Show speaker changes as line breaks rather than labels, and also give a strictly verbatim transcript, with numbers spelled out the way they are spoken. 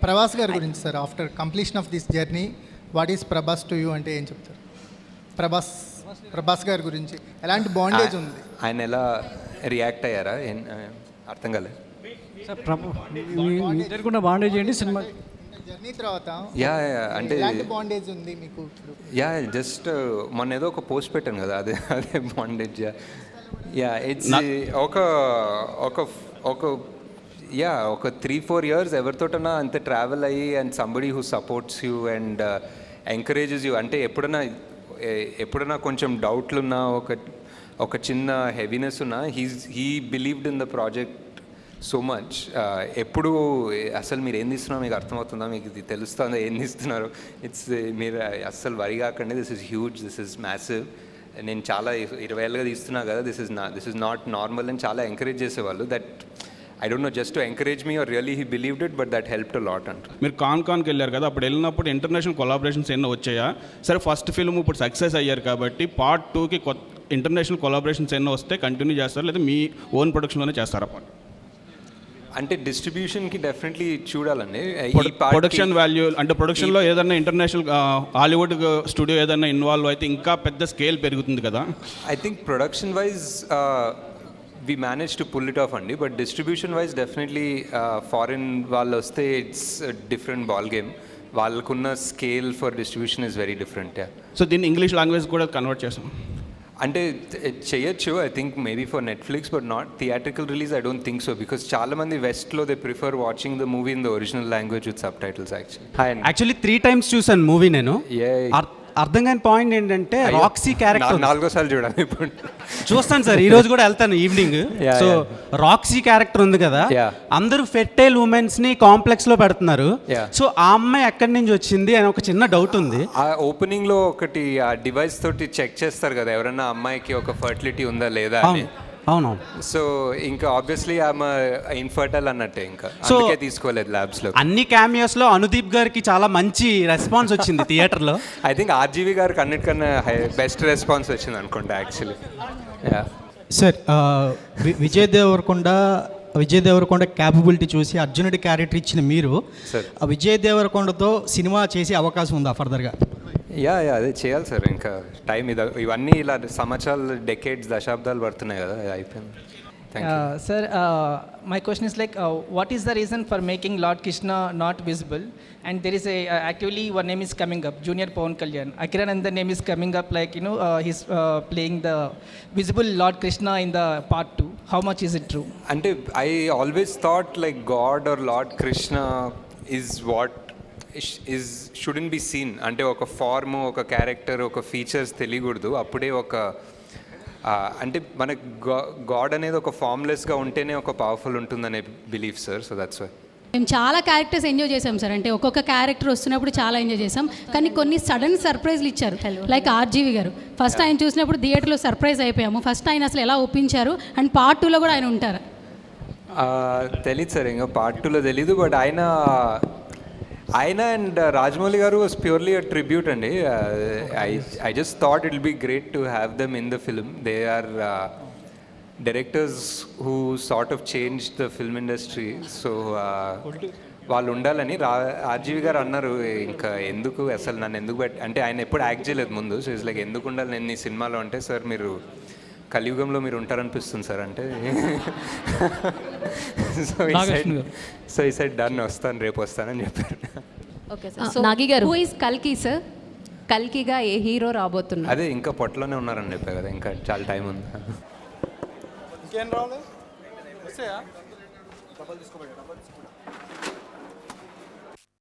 ప్రభాస్ గారి గురించి sir, after completion of this journey what is Prabhas to you అంటే ఏం చెప్తారు? ప్రభాస్ ప్రభాస్ గారి గురించి ఎలాంటి బాండేజ్ ఉంది?
ఆయన ఎలా రియాక్ట్ అయ్యారా? ఏం- అర్థం కాలేదు.
సార్ ప్రభు ఇద్దరు కూడా బాండేజ్ చేయండి సినిమా
జర్నీ తర్వాత
యా యా, అంటే
ఎలాంటి బాండేజ్ ఉంది మీకు ఇప్పుడు?
యా జస్ట్ మొన్న ఏదో ఒక పోస్ట్ పెట్టాను కదా, అదే అదే బాండేజ్. యా ఇట్స్ ఒక ఒక ఒక యా ఒక త్రీ ఫోర్ ఇయర్స్ ఎవరితోటన్నా అంత ట్రావెల్ అయ్యి and somebody who supports you and encourages you. అంటే ఎప్పుడన్నా ఎప్పుడన్నా కొంచెం డౌట్లు ఉన్నా, ఒక ఒక చిన్న హెవీనెస్ ఉన్నా, he's he believed in the project so much. ఎప్పుడు అసలు మీరు ఏం తీస్తున్నారో మీకు అర్థమవుతుందా, మీకు ఇది తెలుస్తుందా ఏం తీస్తున్నారు, ఇట్స్ మీరు అస్సలు వరి కాకండి, this is huge, this is massive, నేను చాలా ఇరవై ఏళ్ళుగా తీస్తున్నా కదా, దిస్ ఇస్ నా దిస్ ఇస్ నాట్ నార్మల్ అని చాలా ఎంకరేజ్ చేసేవాళ్ళు. That I don't know, just to encourage me are really he believed it, but that help to lot అంట.
మీరు కాన్ కాన్కి వెళ్ళారు కదా, అప్పుడు వెళ్ళినప్పుడు ఇంటర్నేషనల్ కొలాబరేషన్స్ ఎన్నో వచ్చాయా? సరే ఫస్ట్ ఫిల్మ్ ఇప్పుడు సక్సెస్ అయ్యారు కాబట్టి పార్ట్ టూకి కొత్త ఇంటర్నేషనల్ కొలాబరేషన్స్ ఎన్నో వస్తే కంటిన్యూ చేస్తారు, లేదా మీ ఓన్ ప్రొడక్షన్లోనే చేస్తారా?
అంటే డిస్ట్రిబ్యూషన్కి డెఫినెట్లీ చూడాలండి.
ప్రొడక్షన్ వాల్యూ అంటే ప్రొడక్షన్లో ఏదైనా ఇంటర్నేషనల్ హాలీవుడ్ స్టూడియో ఏదైనా ఇన్వాల్వ్ అయితే ఇంకా పెద్ద స్కేల్ పెరుగుతుంది కదా.
I think production wise we manage to pull it off అండి, but distribution wise definitely foreign వాళ్ళు వస్తే ఇట్స్ డిఫరెంట్ బాల్ గేమ్. వాళ్ళకున్న scale for distribution is very different.
So దీన్ని ఇంగ్లీష్ లాంగ్వేజ్ కూడా కన్వర్ట్ చేస్తాం
అంటే చేయొచ్చు, I think maybe for Netflix, but not theatrical release. I don't think so, because చాలా మంది వెస్ట్లో they prefer watching the movie in the original language with subtitles. Actually
actually three times చూసాను movie నేను.
Yeah.
అర్- అర్థం కాని point ఏంటంటే Roxy character
నాలుగో సార్లు చూడాలి ఇప్పుడు.
చూస్తాను సార్, ఈ రోజు కూడా వెళ్తాను evening.
Yeah,
so
yeah.
Roxy character ఉంది కదా,
Yeah.
అందరూ ఫెర్టైల్ ఉమెన్స్ ని కాంప్లెక్స్ లో పెడుతున్నారు.
Yeah.
సో ఆ అమ్మాయి ఎక్కడి నుంచి వచ్చింది అని ఒక చిన్న డౌట్ ఉంది.
ఆ ఓపెనింగ్లో ఒకటి ఆ డివైస్ తోటి చెక్ చేస్తారు కదా ఎవరన్నా అమ్మాయికి ఒక ఫర్టిలిటీ ఉందా లేదా అని.
అవునవును.
సో ఇంకా ఆబ్వియస్లీ ఆమె ఇన్ఫర్టైల్ అన్నట్టే, ఇంకా
So,
అందుకే తీసుకోలేదు ల్యాబ్స్ లో.
అన్ని క్యామియోస్ లో అనుదీప్ గారికి చాలా మంచి రెస్పాన్స్ వచ్చింది థియేటర్ లో.
ఐ థింక్ ఆర్జీవి గారికి అన్నిటికన్నా బెస్ట్ రెస్పాన్స్ వచ్చింది అనుకుంటా యాక్చువల్లీ. యా
సార్, వి- విజయ్ దేవరకొండ విజయ్ దేవరకొండ క్యాపబిలిటీ చూసి అర్జునుడి క్యారెక్టర్ ఇచ్చిన మీరు,
సార్.
ఆ విజయ్ దేవరకొండతో సినిమా చేసే అవకాశం ఉందా ఫర్దర్గా?
యా యా అదే చేయాలి సార్, ఇంకా టైం ఇది ఇవన్నీ ఇలా సంవత్సరాలు డెకేడ్స్ దశాబ్దాలు పడుతున్నాయి కదా, అయిపోయింది. Thank you.
Uh, sir, uh, my question is like, uh, what is the reason for making Lord Krishna not visible? And there is a uh, actually one name is coming up, Junior Pawan Kalyan. Akiranandan name is coming up, like you know, uh, he's uh, playing the visible Lord Krishna in the part two. How much is it true?
అంటే I always thought like god or lord Krishna is what is shouldn't be seen. అంటే ఒక form, ఒక character, ఒక features తెలియకూడదు, అప్పుడే ఒక ఆ, అంటే మనకు గాడ్ అనేది ఒక ఫార్మ్లెస్గా ఉంటేనే ఒక పవర్ఫుల్ ఉంటుందనే belief sir. So that's why
మేము చాలా క్యారెక్టర్స్ ఎంజాయ్ చేసాం సార్. అంటే ఒక్కొక్క క్యారెక్టర్ వస్తున్నప్పుడు చాలా ఎంజాయ్ చేసాం, కానీ కొన్ని సడన్ సర్ప్రైజ్లు ఇచ్చారు. లైక్ ఆర్జీవి గారు ఫస్ట్ ఆయన చూసినప్పుడు థియేటర్లో సర్ప్రైజ్ అయిపోయాము. ఫస్ట్ ఆయన అసలు ఎలా ఒప్పించారు, అండ్ పార్ట్ టూలో కూడా ఆయన ఉంటారు.
తెలీదు సార్, ఇంకా పార్ట్ టూలో తెలీదు, బట్ ఆయన ఆయన and Rajamouli garu was purely a tribute అండి. I I just thought it will be great to have them in the film. They are directors who sort of change the film industry. So వాళ్ళు ఉండాలని రా RGV గారు అన్నారు, ఇంకా ఎందుకు అసలు నన్ను ఎందుకు పెట్ అంటే ఆయన ఎప్పుడు యాక్ట్ చేయలేదు ముందు. సో ఇట్స్ లైక్ ఎందుకు ఉండాలి నేను ఈ సినిమాలో అంటే, సార్ మీరు కలియుగంలో మీరు ఉంటారనిపిస్తుంది సార్ అంటే. సో ఈ సైడ్ డన్, వస్తాను రేపు వస్తానని చెప్పారు.
Okay sir. So Nagi garu, who is కల్కి సార్? కల్కిగా ఏ హీరో రాబోతున్నారు?
అదే ఇంకా పొట్టలోనే ఉన్నారని చెప్పా కదా, ఇంకా చాలా టైం ఉంది.
ఇంకేం రావాలి?